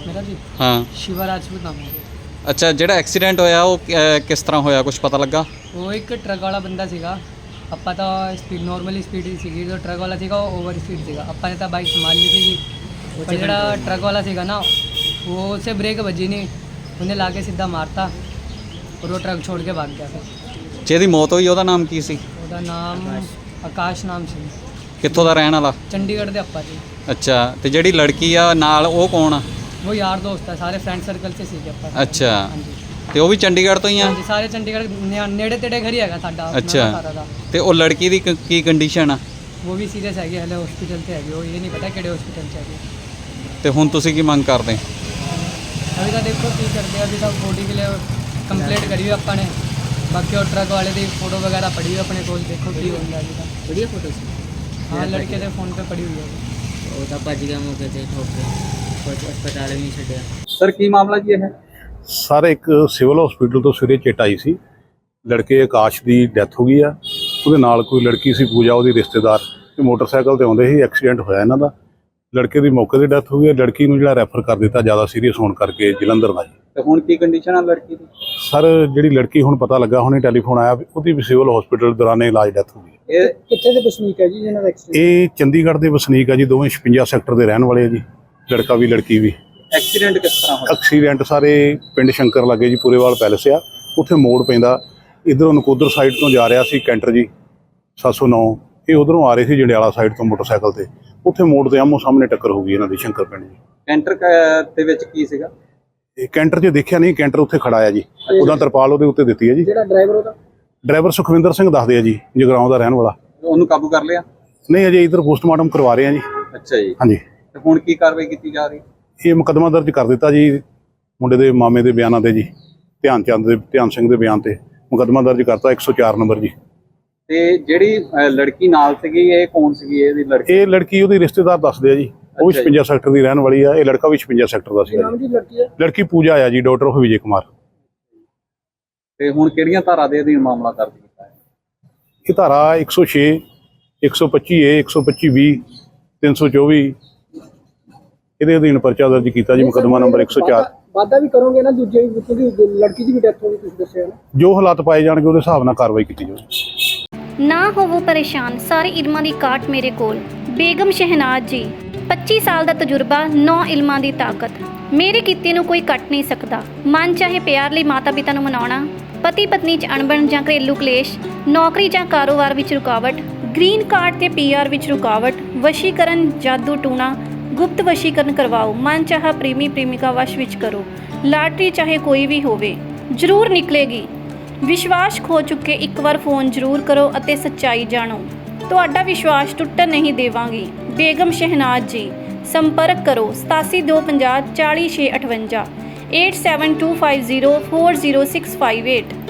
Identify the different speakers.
Speaker 1: मेरा जी
Speaker 2: हाँ
Speaker 1: शिवा राजपूत नाम है।
Speaker 2: अच्छा ਜਿਹੜਾ ਐਕਸੀਡੈਂਟ ਹੋਇਆ ਉਹ ਕਿਸ ਤਰ੍ਹਾਂ ਹੋਇਆ ਕੁਝ ਪਤਾ ਲੱਗਾ?
Speaker 1: वो एक ट्रक वाला बंदा सीगा, अपा तो स्पीड नॉर्मली स्पीड ही सीगी, जो ट्रक वाला सीगा वो ओवर स्पीड सीगा, अपा ने तो बाइक संभाल ली थी। पर जो ट्रक वाला सीगा ना वो उसे ब्रेक बजी नहीं, उन्हें लाके सीधा मारता और वो ट्रक छोड़ के भाग गया। फिर
Speaker 2: ਜਿਹਦੀ ਮੌਤ ਹੋਈ ਉਹਦਾ ਨਾਮ ਕੀ ਸੀ?
Speaker 1: ਉਹਦਾ ਨਾਮ ਆਕਾਸ਼ ਨਾਮ ਸੀ।
Speaker 2: ਕਿੱਥੋਂ ਦਾ ਰਹਿਣ ਵਾਲਾ?
Speaker 1: ਚੰਡੀਗੜ੍ਹ ਦੇ ਆਪਾਂ ਜੀ।
Speaker 2: ਅੱਛਾ ਤੇ ਜਿਹੜੀ ਲੜਕੀ ਆ ਨਾਲ ਉਹ ਕੌਣ ਆ?
Speaker 1: वो यार दोस्त है, सारे फ्रेंड सर्कल से सीखे ਆਪਾਂ।
Speaker 2: ਅੱਛਾ
Speaker 1: हाँ जी
Speaker 2: ਤੇ ਉਹ ਵੀ ਚੰਡੀਗੜ੍ਹ ਤੋਂ ਹੀ ਆ?
Speaker 1: हाँ जी, सारे चंडीगढ़ नेड़े तेड़े घर ही है साडा
Speaker 2: अच्छा।
Speaker 1: सारा दा।
Speaker 2: ਤੇ ਉਹ ਲੜਕੀ ਦੀ ਕੀ ਕੰਡੀਸ਼ਨ ਆ?
Speaker 1: वो भी सीरियस है, हले हॉस्पिटल से है, वो ये नहीं पता किहड़े हॉस्पिटल से है।
Speaker 2: ਤੇ ਹੁਣ ਤੁਸੀਂ ਕੀ ਮੰਗ ਕਰਦੇ?
Speaker 1: अभी तो देखो की करते हैं, अभी तो बॉडी के लिए कंप्लेंट करी हुई अपने, बाकी और ट्रक वाले की फोटो वगैरह पड़ी हुई अपने को, देखो की होगा अभी तक।
Speaker 3: बढ़िया फोटो सी
Speaker 1: हाँ लड़के के फ़ोन पे पड़ी हुई है।
Speaker 3: वो तो भज गया मौके से ठोक के, कुछ अस्पताल भी नहीं छड्या।
Speaker 2: ਸਰ ਕੀ ਮਾਮਲਾ ਜੀ ਇਹ?
Speaker 4: ਸਰ ਇੱਕ ਸਿਵਲ ਹਸਪੀਟਲ ਤੋਂ ਸਵੇਰੇ ਚਿੱਟ ਆਈ ਸੀ, ਲੜਕੇ ਆਕਾਸ਼ ਦੀ ਡੈਥ ਹੋ ਗਈ ਆ। ਉਹਦੇ ਨਾਲ ਕੋਈ ਲੜਕੀ ਸੀ ਪੂਜਾ, ਉਹਦੀ ਰਿਸ਼ਤੇਦਾਰ, ਤੇ ਮੋਟਰਸਾਈਕਲ ਤੇ ਆਉਂਦੇ ਸੀ, ਐਕਸੀਡੈਂਟ ਹੋਇਆ ਇਹਨਾਂ ਦਾ। ਲੜਕੇ ਦੀ ਮੌਕੇ ਤੇ ਡੈਥ ਹੋ ਗਈ ਹੈ, ਲੜਕੀ ਨੂੰ ਜਿਹੜਾ ਰੈਫਰ ਕਰ ਦਿੱਤਾ ਜ਼ਿਆਦਾ ਸੀਰੀਅਸ ਹੋਣ ਕਰਕੇ ਜਲੰਧਰ ਦਾ ਜੀ।
Speaker 2: ਤੇ ਹੁਣ ਕੀ ਕੰਡੀਸ਼ਨ ਆ ਲੜਕੀ ਦੀ?
Speaker 4: ਸਰ ਜਿਹੜੀ ਲੜਕੀ ਹੁਣ ਪਤਾ ਲੱਗਾ, ਹੁਣੇ ਟੈਲੀਫੋਨ ਆਇਆ ਵੀ ਉਹਦੀ ਵੀ ਸਿਵਲ ਹਸਪੀਟਲ ਦੌਰਾਨੇ ਇਲਾਜ ਡੈਥ ਹੋ ਗਈ।
Speaker 2: ਇਹ
Speaker 1: कितने के वसनीक है जी जिन्होंने एक्सीडेंट?
Speaker 4: ਇਹ ਚੰਡੀਗੜ੍ਹ ਦੇ ਵਸਨੀਕ ਆ ਜੀ, ਦੋਵੇਂ 56 ਸੈਕਟਰ ਦੇ ਰਹਿਣ ਵਾਲੇ ਆ ਜੀ, ਲੜਕਾ ਵੀ ਲੜਕੀ ਵੀ।
Speaker 2: ਐਕਸੀਡੈਂਟ ਕਿਸ ਤਰ੍ਹਾਂ ਹੋਇਆ?
Speaker 4: ਐਕਸੀਡੈਂਟ ਸਾਰੇ ਪਿੰਡ ਸ਼ੰਕਰ ਲੱਗੇ ਜੀ, ਪੂਰੇਵਾਲ ਪੈਲਸ ਆ, ਉੱਥੇ ਮੋੜ ਪੈਂਦਾ। ਇੱਧਰੋਂ ਨਕੋਦਰ ਸਾਈਡ ਤੋਂ ਜਾ ਰਿਹਾ ਸੀ ਕੈਂਟਰ ਜੀ 709, ਇਹ ਉਧਰੋਂ ਆ ਰਹੇ ਸੀ ਜੰਡਿਆਲਾ ਸਾਈਡ ਤੋਂ ਮੋਟਰਸਾਈਕਲ ਤੇ, ਉੱਥੇ ਮੋੜ ਤੇ ਆਮੋ ਸਾਹਮਣੇ ਟੱਕਰ ਹੋ ਗਈ ਇਹਨਾਂ ਦੀ ਸ਼ੰਕਰ ਪਿੰਡ ਜੀ।
Speaker 2: ਕੈਂਟਰ ਦੇ ਵਿੱਚ ਕੀ ਸੀਗਾ?
Speaker 4: ਇਹ ਕੈਂਟਰ 'ਚ ਦੇਖਿਆ ਨਹੀਂ, ਕੈਂਟਰ ਉੱਥੇ ਖੜਾ ਆ ਜੀ, ਉਹਦਾ ਤਰਪਾਲ ਉਹਦੇ ਉੱਤੇ ਦਿੱਤੀ ਹੈ ਜੀ।
Speaker 1: ਜਿਹੜਾ ਡਰਾਈਵਰ ਉਹਦਾ?
Speaker 4: ਡਰਾਈਵਰ ਸੁਖਵਿੰਦਰ ਸਿੰਘ ਦੱਸਦੇ ਆ ਜੀ, ਜਗਰਾਉਂ ਦਾ ਰਹਿਣ ਵਾਲਾ।
Speaker 2: ਉਹਨੂੰ ਕਾਬੂ ਕਰ ਲਿਆ?
Speaker 4: ਨਹੀਂ ਅਜੇ ਇੱਧਰ ਪੋਸਟਮਾਰਟਮ ਕਰਵਾ ਰਹੇ ਆ ਜੀ।
Speaker 2: ਅੱਛਾ ਜੀ।
Speaker 4: ਹਾਂਜੀ
Speaker 2: ਤੇ ਹੁਣ ਕੀ ਕਾਰਵਾਈ ਕੀਤੀ ਜਾ ਰਹੀ?
Speaker 4: ਇਹ ਮੁਕੱਦਮਾ ਦਰਜ ਕਰ ਦਿੱਤਾ ਜੀ ਮੁੰਡੇ ਦੇ ਮਾਮੇ ਦੇ ਬਿਆਨਾਂ ਤੇ ਜੀ, ਧਿਆਨ ਸਿੰਘ ਦੇ ਬਿਆਨ ਤੇ ਮੁਕੱਦਮਾ ਦਰਜ ਕਰਤਾ 104 ਨੰਬਰ ਜੀ।
Speaker 2: ਤੇ ਜਿਹੜੀ ਲੜਕੀ ਨਾਲ ਸੀਗੀ ਇਹ ਕੌਣ ਸੀਗੀ? ਇਹਦੀ ਲੜਕੀ?
Speaker 4: ਇਹ ਲੜਕੀ ਉਹਦੀ ਰਿਸ਼ਤੇਦਾਰ ਦੱਸਦੇ ਆ ਜੀ, ਉਹ ਵੀ
Speaker 2: ਅੱਛਾ ਜੀ।
Speaker 4: 56 ਸੈਕਟਰ ਦੀ ਰਹਿਣ ਵਾਲੀ ਆ, ਇਹ ਲੜਕਾ ਵੀ 56 ਸੈਕਟਰ ਦਾ ਸੀ। ਲੜਕੀ ਪੂਜਾ ਆ ਜੀ, ਡਾਕਟਰ ਆਫ ਵਿਜੇ ਕੁਮਾਰ।
Speaker 2: ਤੇ ਹੁਣ ਕਿਹੜੀਆਂ ਧਾਰਾ ਦੇ ਅਧੀਨ ਮਾਮਲਾ ਦਰਜ ਕੀਤਾ ਹੈ?
Speaker 4: ਇਹ ਧਾਰਾ 106 125 ਏ 125 20 324 ਇਹਦੇ ਅਧੀਨ ਪਰਚਾ ਦਰਜ ਕੀਤਾ ਜੀ, ਮੁਕੱਦਮਾ ਨੰਬਰ 104।
Speaker 1: ਵਾਦਾ ਵੀ ਕਰੋਗੇ ਨਾ ਦੂਜੇ ਵੀ, ਕਿਉਂਕਿ ਲੜਕੀ ਦੀ ਵੀ ਡੈਥ ਹੋ ਗਈ ਤੁਸੀਂ ਦੱਸਿਆ ਨਾ।
Speaker 4: ਜੋ ਹਾਲਾਤ ਪਾਏ ਜਾਣਗੇ ਉਹਦੇ ਹਿਸਾਬ ਨਾਲ ਕਾਰਵਾਈ ਕੀਤੀ ਜਾਊਗੀ।
Speaker 5: ਨਾ ਹੋਵੋ ਪਰੇਸ਼ਾਨ, ਸਾਰੇ ਇਲਮਾਂ ਦੀ ਕਾਟ ਮੇਰੇ ਕੋਲ। ਬੇਗਮ ਸ਼ਹਿਨਾਜ਼ ਜੀ, 25 ਸਾਲ ਦਾ ਤਜਰਬਾ, 9 ਇਲਮਾਂ ਦੀ ਤਾਕਤ। ਮੇਰੇ ਕੀਤੇ ਨੂੰ ਕੋਈ ਕੱਟ ਨਹੀਂ ਸਕਦਾ। ਮਨ ਚਾਹੇ ਪਿਆਰ ਲਈ ਮਾਤਾ ਪਿਤਾ ਨੂੰ ਮਨਾਉਣਾ, ਪਤੀ ਪਤਨੀ 'ਚ ਅਣਬਣ ਜਾਂ ਘਰੇਲੂ ਕਲੇਸ਼, ਨੌਕਰੀ ਜਾਂ ਕਾਰੋਬਾਰ ਵਿੱਚ ਰੁਕਾਵਟ, ਗ੍ਰੀਨ ਕਾਰਡ ਤੇ PR ਵਿੱਚ ਰੁਕਾਵਟ, ਵਸ਼ੀਕਰਨ, ਜਾਦੂ ਟੂਣਾ, ਗੁਪਤ ਵਸ਼ੀਕਰਨ ਕਰਵਾਓ, ਮਨ ਚਾਹਾ ਪ੍ਰੇਮੀ ਪ੍ਰੇਮਿਕਾ ਵਸ਼ ਵਿੱਚ ਕਰੋ, ਲਾਟਰੀ ਚਾਹੇ ਕੋਈ ਵੀ ਹੋਵੇ ਜ਼ਰੂਰ ਨਿਕਲੇਗੀ। ਵਿਸ਼ਵਾਸ ਖੋ ਚੁੱਕੇ ਇੱਕ ਵਾਰ ਫੋਨ ਜ਼ਰੂਰ ਕਰੋ ਅਤੇ ਸੱਚਾਈ ਜਾਣੋ। ਤੁਹਾਡਾ ਵਿਸ਼ਵਾਸ ਟੁੱਟਣ ਨਹੀਂ ਦੇਵਾਂਗੀ। ਬੇਗਮ ਸ਼ਹਿਨਾਜ਼ ਜੀ, ਸੰਪਰਕ ਕਰੋ 8725040658 8725040658।